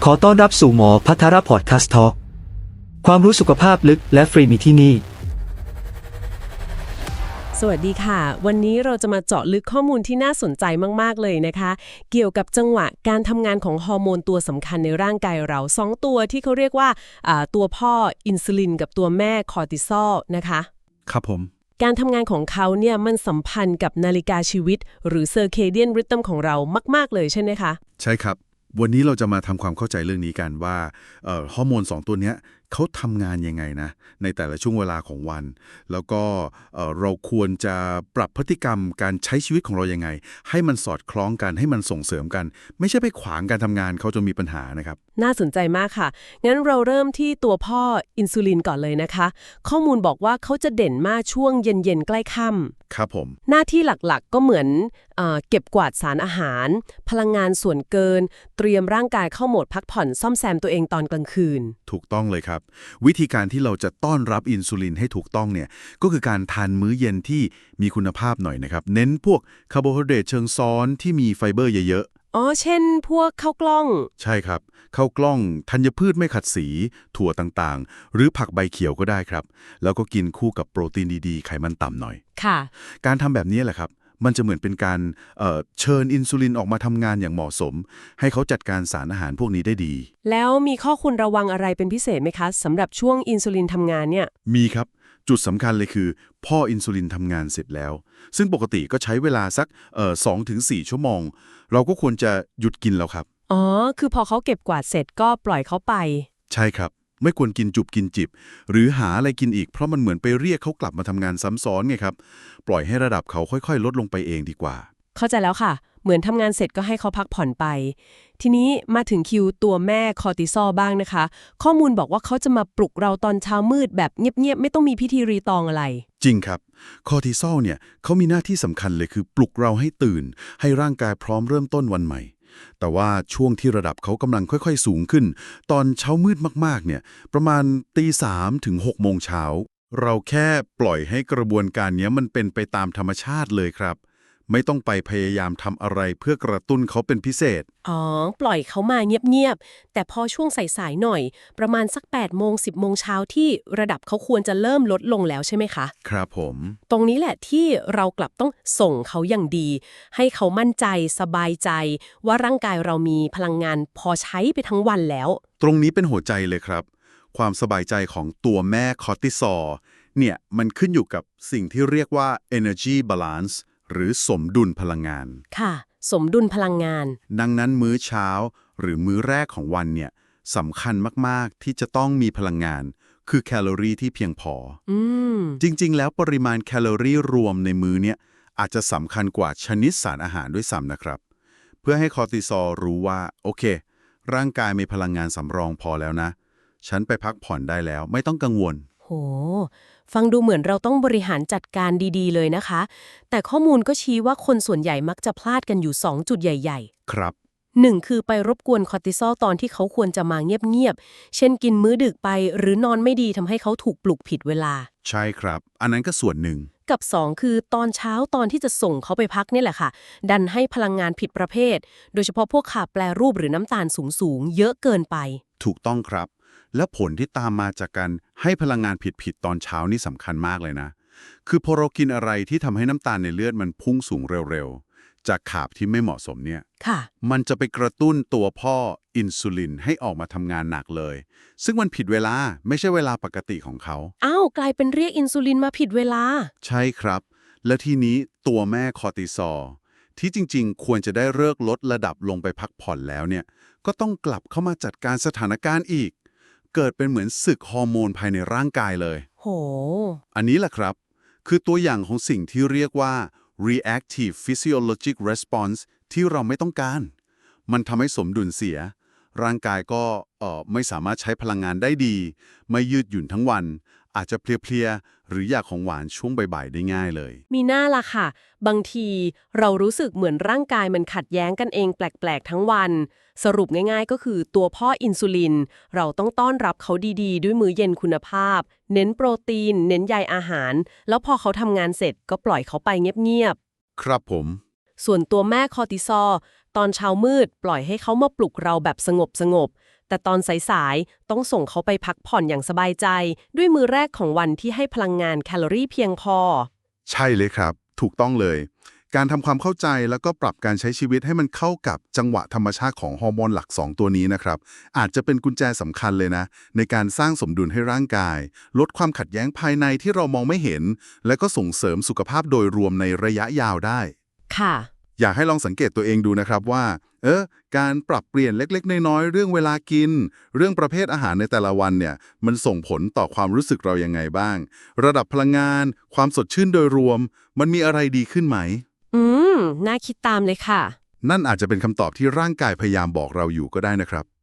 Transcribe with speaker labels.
Speaker 1: ขอต้อนรับสู่หมอพัทรพอดคาสต์ทอล์กความรู้สุขภาพลึกและฟรีมีที่นี่
Speaker 2: สวัสดีค่ะ วันนี้เราจะมาเจาะลึกข้อมูลที่น่าสนใจมากๆเลยนะคะ เกี่ยวกับจังหวะการทำงานของฮอร์โมนตัวสำคัญในร่างกายเรา2ตัวที่เขาเรียกว่าตัวพ่ออินซูลินกับตัวแม่คอร์ติซอลนะคะ
Speaker 3: ครับผม
Speaker 2: การทำงานของเขาเนี่ยมันสัมพันธ์กับนาฬิกาชีวิตหรือเซอร์เคเดียนริทึมของเรามากๆเลยใช่ไหมคะ
Speaker 3: ใช่ครับวันนี้เราจะมาทำความเข้าใจเรื่องนี้กันว่าฮอร์โมน2ตัวเนี้ยเขาทำงานยังไงนะในแต่ละช่วงเวลาของวัน แล้วก็เราควรจะปรับพฤติกรรมการใช้ชีวิตของเรายังไงให้มันสอดคล้องกันให้มันส่งเสริมกัน ไม่ใช่ไปขวางการทำงานเขาจนมีปัญหานะครับ
Speaker 2: น่าสนใจมากค่ะ งั้นเราเริ่มที่ตัวพ่ออินซูลินก่อนเลยนะคะ ข้อมูลบอกว่าเขาจะเด่นมากช่วงเย็นๆใกล้ค่ำ
Speaker 3: ครับผม
Speaker 2: หน้าที่หลักๆก็เหมือนเก็บกวาดสารอาหาร พลังงานส่วนเกิน เตรียมร่างกายเข้าโหมดพักผ่อนซ่อมแซมตัวเองตอนกลางคืน
Speaker 3: ถูกต้องเลยครับวิธีการที่เราจะต้อนรับอินซูลินให้ถูกต้องเนี่ยก็คือการทานมื้อเย็นที่มีคุณภาพหน่อยนะครับเน้นพวกคาร์โบไฮเดรตเชิงซ้อนที่มีไฟเบอร์เยอะ
Speaker 2: อ๋อ เช่น พวกข้าวกล้อง
Speaker 3: ๆใช่ครับข้าวกล้องธัญพืชไม่ขัดสี ถั่วต่างๆ หรือผักใบเขียวก็ได้ครับแล้วก็กินคู่กับโปรตีนดีๆไขมันต่ำหน่อย
Speaker 2: ค่ะ
Speaker 3: การทำแบบนี้แหละครับมันจะเหมือนเป็นการเชิญอินซูลินออกมาทำงานอย่างเหมาะสม ให้เขาจัดการสารอาหารพวกนี้ได้ดี
Speaker 2: แล้วมีข้อควรระวังอะไรเป็นพิเศษไหมคะสำหรับช่วงอินซูลินทำงานเนี่ย
Speaker 3: มีครับจุดสำคัญเลยคือพ่ออินซูลินทำงานเสร็จแล้ว ซึ่งปกติก็ใช้เวลาสัก2-4 ชั่วโมง เราก็ควรจะหยุดกินแล้วครับ
Speaker 2: อ๋อ คือพอเขาเก็บกวาดเสร็จก็ปล่อยเขาไป
Speaker 3: ใช่ครับ ไม่ควรกินจุบกินจิบ หรือหาอะไรกินอีกเพราะมันเหมือนไปเรียกเขากลับมาทำงานซ้ำซ้อนไงครับปล่อยให้ระดับเขาค่อยๆ ลดลงไปเองดีกว่า
Speaker 2: เข้าใจแล้วค่ะ เหมือนทำงานเสร็จก็ให้เขาพักผ่อนไป ทีนี้มาถึงคิวตัวแม่คอร์ติซอลบ้างนะคะ ข้อมูลบอกว่าเขาจะมาปลุกเราตอนเช้ามืดแบบเงียบๆไม่ต้องมีพิธีรีตองอะไร
Speaker 3: จริงครับคอร์ติซอลเนี่ยเขามีหน้าที่สำคัญเลยคือปลุกเราให้ตื่น ให้ร่างกายพร้อมเริ่มต้นวันใหม่ แต่ว่าช่วงที่ระดับเขากำลังค่อยๆสูงขึ้น ตอนเช้ามืดมากๆเนี่ยประมาณ3 ถึง 6 โมงเช้าเราแค่ปล่อยให้กระบวนการนี้มันเป็นไปตามธรรมชาติเลยครับ ไม่ต้องไปพยายามทำอะไรเพื่อกระตุ้นเขาเป็นพิเศษ
Speaker 2: อ๋อ ปล่อยเขามาเงียบๆ แต่พอช่วงสายๆหน่อย ประมาณสัก8 โมง 10 โมงเช้าที่ระดับเขาควรจะเริ่มลดลงแล้วใช่ไหมคะ
Speaker 3: ครับผม
Speaker 2: ตรงนี้แหละที่เรากลับต้องส่งเขาอย่างดี ให้เขามั่นใจสบายใจ ว่าร่างกายเรามีพลังงานพอใช้ไปทั้งวันแล้ว
Speaker 3: ตรงนี้เป็นหัวใจเลยครับ ความสบายใจของตัวแม่คอร์ติซอลเนี่ยมันขึ้นอยู่กับสิ่งที่เรียกว่า energy balance หรือสมดุลพลังงาน
Speaker 2: ค่ะ สมดุลพลังงาน
Speaker 3: ดังนั้นมื้อเช้าหรือมื้อแรกของวันเนี่ยสำคัญมากๆที่จะต้องมีพลังงาน คือแคลอรี่ที่เพียงพอ
Speaker 2: อืม
Speaker 3: จริงๆ แล้วปริมาณแคลอรี่รวมในมื้อเนี่ยอาจจะสำคัญกว่าชนิดสารอาหารด้วยซ้ำนะครับ เพื่อให้คอร์ติซอลรู้ว่าโอเค ร่างกายมีพลังงานสำรองพอแล้วนะ ฉันไปพักผ่อนได้แล้วไม่ต้องกังวล
Speaker 2: โห ฟังดูเหมือนเราต้องบริหารจัดการดีๆเลยนะคะ แต่ข้อมูลก็ชี้ว่าคนส่วนใหญ่มักจะพลาดกันอยู่2จุดใหญ่ๆ
Speaker 3: ครับ
Speaker 2: 1 คือไปรบกวนคอร์ติซอลตอนที่เขาควรจะมาเงียบๆ เช่นกินมื้อดึกไปหรือนอนไม่ดีทำให้เขาถูกปลุกผิดเวลา
Speaker 3: ใช่ครับ อันนั้นก็ส่วนหนึ่ง
Speaker 2: กับ2คือตอนเช้าตอนที่จะส่งเขาไปพักนี่แหละค่ะ ดันให้พลังงานผิดประเภท โดยเฉพาะพวกขาแปรรูปหรือน้ำตาลสูงๆ เยอะเกินไป
Speaker 3: ถูกต้องครับ และผลที่ตามมาจากการให้พลังงานผิดๆตอนเช้านี่สำคัญมากเลยนะ คือพอเรากินอะไรที่ทำให้น้ำตาลในเลือดมันพุ่งสูงเร็วๆ จากขาบที่ไม่เหมาะสมเนี่ย
Speaker 2: ค่ะ
Speaker 3: มันจะไปกระตุ้นตัวพ่ออินซูลินให้ออกมาทำงานหนักเลย ซึ่งมันผิดเวลาไม่ใช่เวลาปกติของเขา
Speaker 2: อ้าว กลายเป็นเรียกอินซูลินมาผิดเวลา
Speaker 3: ใช่ครับ และทีนี้ตัวแม่คอร์ติซอลที่จริงๆ ควรจะได้เลิกลดระดับลงไปพักผ่อนแล้วเนี่ย ก็ต้องกลับเข้ามาจัดการสถานการณ์อีก เกิดเป็นเหมือนศึกฮอร์โมนภายในร่างกายเลย
Speaker 2: โห
Speaker 3: อันนี้แหละครับ คือตัวอย่างของสิ่งที่เรียกว่า reactive physiologic response ที่เราไม่ต้องการ มันทำให้สมดุลเสีย ร่างกายก็ไม่สามารถใช้พลังงานได้ดี ไม่ยืดหยุ่นทั้งวัน อาจจะเพลียๆ หรืออยากของหวานช่วงบ่ายๆ ได้ง่ายเลย
Speaker 2: มีหน้าล่ะค่ะ บางทีเรารู้สึกเหมือนร่างกายมันขัดแย้งกันเองแปลกๆทั้งวัน สรุปง่ายๆก็คือตัวพ่ออินซูลิน เราต้องต้อนรับเขาดีๆ ด้วยมื้อเย็นคุณภาพ เน้นโปรตีน เน้นใยอาหาร แล้วพอเขาทำงานเสร็จก็ปล่อยเขาไปเงียบ
Speaker 3: ครับผม
Speaker 2: ๆ ส่วนตัวแม่คอร์ติซอลตอนเช้ามืดปล่อยให้เขามาปลุกเราแบบสงบแต่ตอนสายๆต้องส่งเขาไปพักผ่อนอย่างสบายใจ ด้วยมื้อแรกของวันที่ให้พลังงานแคลอรี่เพียงพอ
Speaker 3: ใช่เลยครับ ถูกต้องเลย การทำความเข้าใจแล้วก็ปรับการใช้ชีวิตให้มันเข้ากับจังหวะธรรมชาติของฮอร์โมนหลัก 2 ตัวนี้นะครับ อาจจะเป็นกุญแจสำคัญเลยนะ ในการสร้างสมดุลให้ร่างกาย ลดความขัดแย้งภายในที่เรามองไม่เห็น และก็ส่งเสริมสุขภาพโดยรวมในระยะยาวได้
Speaker 2: ค่ะ
Speaker 3: อยากให้ลองสังเกตตัวเองดูนะครับว่า การปรับเปลี่ยนเล็กๆน้อยๆเรื่องเวลากิน เรื่องประเภทอาหารในแต่ละวันเนี่ย มันส่งผลต่อความรู้สึกเรายังไงบ้าง ระดับพลังงาน ความสดชื่นโดยรวม มันมีอะไรดีขึ้นไหม
Speaker 2: อืม น่าคิดตามเลยค่ะ
Speaker 3: นั่นอาจจะเป็นคำตอบที่ร่างกายพยายามบอกเราอยู่ก็ได้นะครับ